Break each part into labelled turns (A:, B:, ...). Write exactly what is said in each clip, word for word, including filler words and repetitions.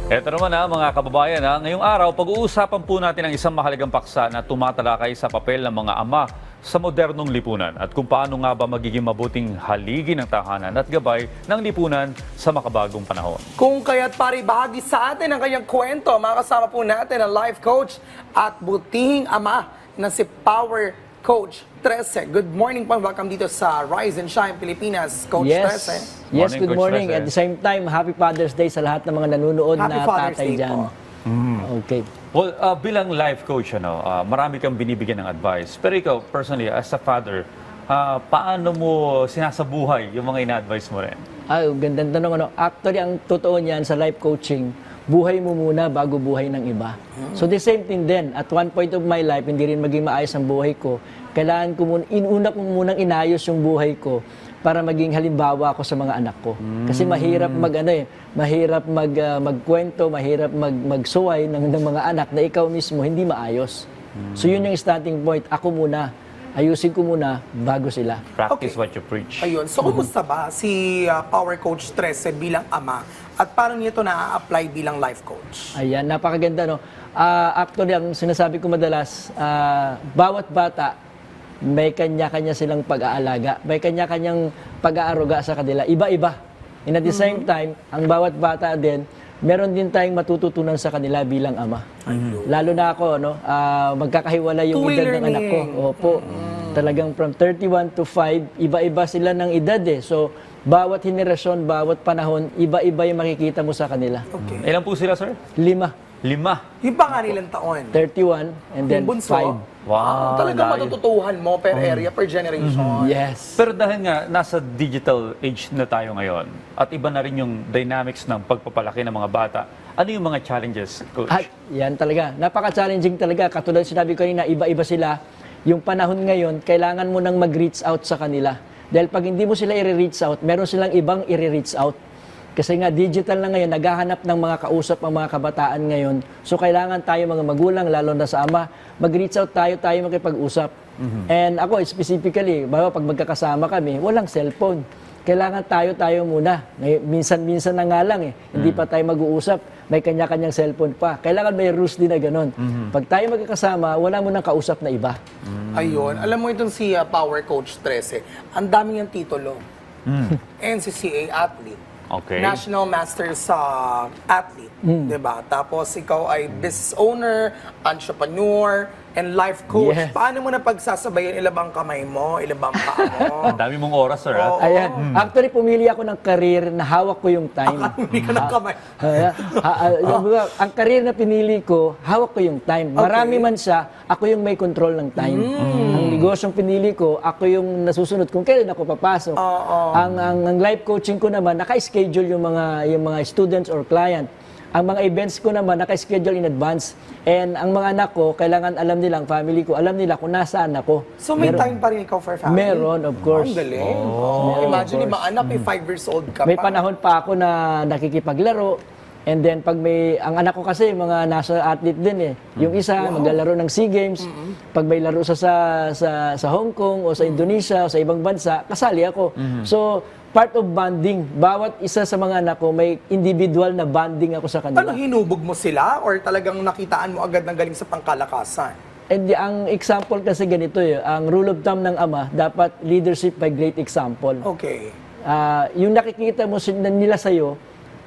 A: Eto naman na mga kababayan, ha? Ngayong araw, pag-uusapan po natin ang isang mahalagang paksa na tumatalakay sa papel ng mga ama sa modernong lipunan at kung paano nga ba magiging mabuting haligi ng tahanan at gabay ng lipunan sa makabagong panahon.
B: Kung kaya't pari bahagi sa atin ang kanyang kwento, makasama po natin ang life coach at butihing ama na si Power Coach Trece. Good morning po. Welcome dito sa Rise and Shine Pilipinas, Coach
C: yes.
B: Trece.
C: Yes,
A: Morning,
C: good
A: Coach
C: morning.
A: Trece.
C: At the same time, happy Father's Day sa lahat ng mga nanonood
B: Happy
C: na
B: Father's
C: tatay
B: Day
C: dyan.
B: po.
C: Okay.
A: Well, uh, bilang life coach, ano, uh, marami kang binibigyan ng advice. Pero ikaw, personally, as a father, uh, paano mo sinasabuhay yung mga ina-advise mo rin?
C: Ay, gandang tanong. Ano. Actually, ang totoo niyan sa life coaching, buhay mo muna bago buhay ng iba. So the same thing din. At one point of my life, hindi rin maging maayos ang buhay ko. Kailangan ko muna, inuna ko munang inayos yung buhay ko para maging halimbawa ako sa mga anak ko. Kasi mahirap mag ano eh, mahirap mag uh, magkwento, mahirap mag magsuway ng, ng mga anak na ikaw mismo hindi maayos. So yun yung starting point. Ako muna, ayusin ko muna bago sila.
A: Practice
B: Okay.
A: what you preach.
B: Ayun. So, kumusta ba si uh, Power Coach Trece bilang ama at paano niyo ito na-apply bilang life coach?
C: Ayan, napakaganda no. Ah, actually, ang sinasabi ko madalas, ah, bawat bata may kanya-kanya silang pag-aalaga, may kanya-kanyang pag-aaruga sa kanila, iba-iba. And at the same time, ang bawat bata din, meron din tayong matututunan sa kanila bilang ama. Lalo na ako, no, ah, magkakahiwalay yung
B: Two-way
C: edad ng anak ko.
B: learning.
C: Opo. Talagang from thirty-one to five, iba-iba sila ng edad eh. So, bawat henerasyon, bawat panahon, iba-iba yung makikita mo sa kanila.
B: Okay.
A: Ilan po sila, sir?
C: Lima.
A: Lima.
B: Yung panganilang taon?
C: thirty-one and then
B: Yung bunso?
C: five.
A: Wow,
B: Talaga
A: layo.
B: matututuhan mo per area, per generation.
C: Yes.
A: Pero dahil nga, nasa digital age na tayo ngayon at iba na rin yung dynamics ng pagpapalaki ng mga bata, ano yung mga challenges, Coach?
C: At yan talaga. Napaka-challenging talaga. Katulad sinabi ko kanina, iba-iba sila. Yung panahon ngayon, kailangan mo nang mag-reach out sa kanila. Dahil pag hindi mo sila i-reach out, meron silang ibang i-reach out. Kasi nga digital na ngayon, naghahanap ng mga kausap ang mga kabataan ngayon. So kailangan tayo mga magulang, lalo na sa ama, mag-reach out tayo, tayo makipag-usap. And ako specifically, bawa pag magkakasama kami, walang cellphone. Kailangan tayo-tayo muna. Ngay- Minsan-minsan na nga lang eh. Hindi pa tayo mag-uusap. May kanya-kanyang cellphone pa. Kailangan may rules din na ganun. Pag tayo magkakasama, wala mo nang kausap na iba.
B: Ayun. Alam mo itong si uh, Power Coach Trece, ang dami niyang titulo. N C C A athlete.
A: Okay.
B: National Master sa athlete, 'di ba? Tapos ikaw ay business owner, entrepreneur, and life coach.
C: Yes.
B: Paano mo na pagsasabayan ilabang kamay mo, ilabang paa mo?
A: Ang dami mong oras, sir.
B: Oo.
A: ha?
C: Ayan. Actually, pumili ako ng career na hawak ko yung time.
B: Hindi ka ng kamay.
C: Ah, ah, ah, yung mga- ang career na pinili ko, hawak ko yung time. Marami man siya, ako yung may control ng time. Ang negosyong pinili ko, ako yung nasusunod kung kailan ako papasok. Ang, ang, ang life coaching ko naman, naka-schedule yung mga, yung mga students or client. Ang mga events ko naman, naka-schedule in advance. And ang mga anak ko, kailangan alam nila, ang family ko, alam nila kung nasaan ako.
B: So may
C: Meron-
B: time pa rin ikaw for family?
C: Meron, of course.
B: Ang galing. Oh, imagine, yung mga anak, may five years old ka
C: May
B: pa.
C: panahon pa ako na nakikipaglaro. And then pag may, ang anak ko kasi mga national athlete din eh. Yung isa maglalaro ng SEA Games. Pag may laro sa, sa sa sa Hong Kong o sa Indonesia o sa ibang bansa, kasali ako. So part of bonding, bawat isa sa mga anak ko may individual na bonding ako sa
B: Ano,
C: kanila.
B: hinubog mo sila or talagang nakitaan mo agad ng galing sa pangkalakasan?
C: And the- ang example kasi ganito eh, ang rule of thumb ng ama, dapat leadership by great example.
B: Okay.
C: Ah, yung nakikita mo sin- nila sa'yo,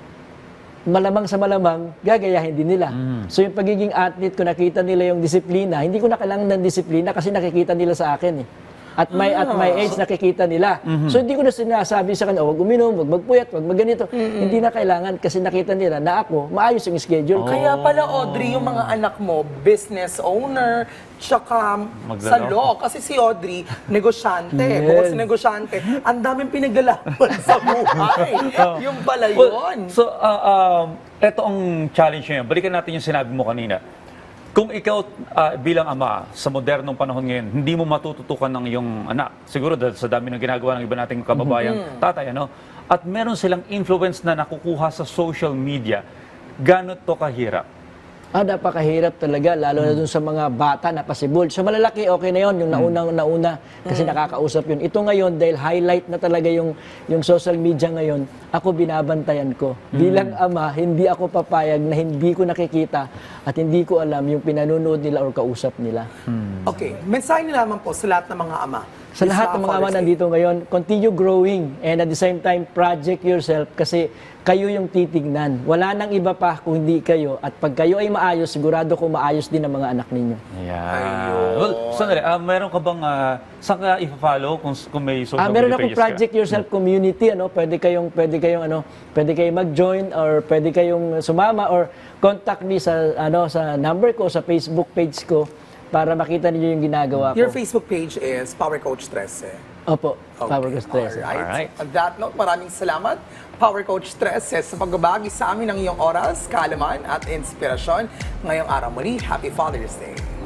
C: malamang sa malamang, gagayahin din nila. So yung pagiging athlete ko, nakita nila yung disiplina. Hindi ko na kailangan ng disiplina kasi nakikita nila sa akin eh. At my, at my age, nakikita nila. So hindi ko na sinasabi sa kanila, "Oh, wag uminom, wag magpuyat, wag magganito." Hindi na kailangan kasi nakita nila na ako, maayos yung schedule.
B: Kaya pala, Audrey, yung mga anak mo, business owner, tsaka sa
A: Maglaro.
B: law. Kasi si Audrey, negosyante.
C: Yes.
B: Bukod sa negosyante, ang daming pinaglalaban sa buhay. Yung pala
A: Well,
B: yun.
A: so, uh, um, eto ang challenge niya. Balikan natin yung sinabi mo kanina. Kung ikaw ah, bilang ama sa modernong panahon ngayon, hindi mo matututukan ng iyong anak. Siguro dahil sa dami ng ginagawa ng iba nating kababayang tatay, ano? At meron silang influence na nakukuha sa social media. Gano'n to kahirap?
C: Ah, napakahirap talaga, lalo na dun sa mga bata na pasibol. Sa malalaki, okay na yon yung naunang nauna, kasi nakakausap yun. Ito ngayon, dahil highlight na talaga yung, yung social media ngayon, ako binabantayan ko. Bilang ama, hindi ako papayag na hindi ko nakikita at hindi ko alam yung pinanunood nila or kausap nila.
B: Okay, mensahe nila naman po sa lahat ng mga ama.
C: Sa lahat ng mga ama nandito ngayon, continue growing and at the same time, project yourself kasi kayo yung titignan. Wala nang iba pa kung hindi kayo. At pag kayo ay maayos, sigurado ko maayos din ang mga anak ninyo.
A: Ayan.
B: Ayun.
A: Well, sandali, ah, meron ka bang, uh, saan ka i-follow kung, kung may social
C: Ah, meron
A: media
C: akong
A: pages ka?
C: Project Yourself community, ano, pwede kayong pwede kayong ano, pwede kayong mag-join or pwede kayong sumama or contact me sa ano sa number ko sa Facebook page ko para makita niyo yung ginagawa ko.
B: Your Facebook page is Power Coach trese.
C: Opo,
B: Okay.
C: Power Gusto.
B: Alright.
A: Alright.
B: On that note, maraming salamat, Power Coach trese, sa pagbabagi sa amin ng iyong oras, kaalaman at inspirasyon ngayong araw muli. Happy Father's Day!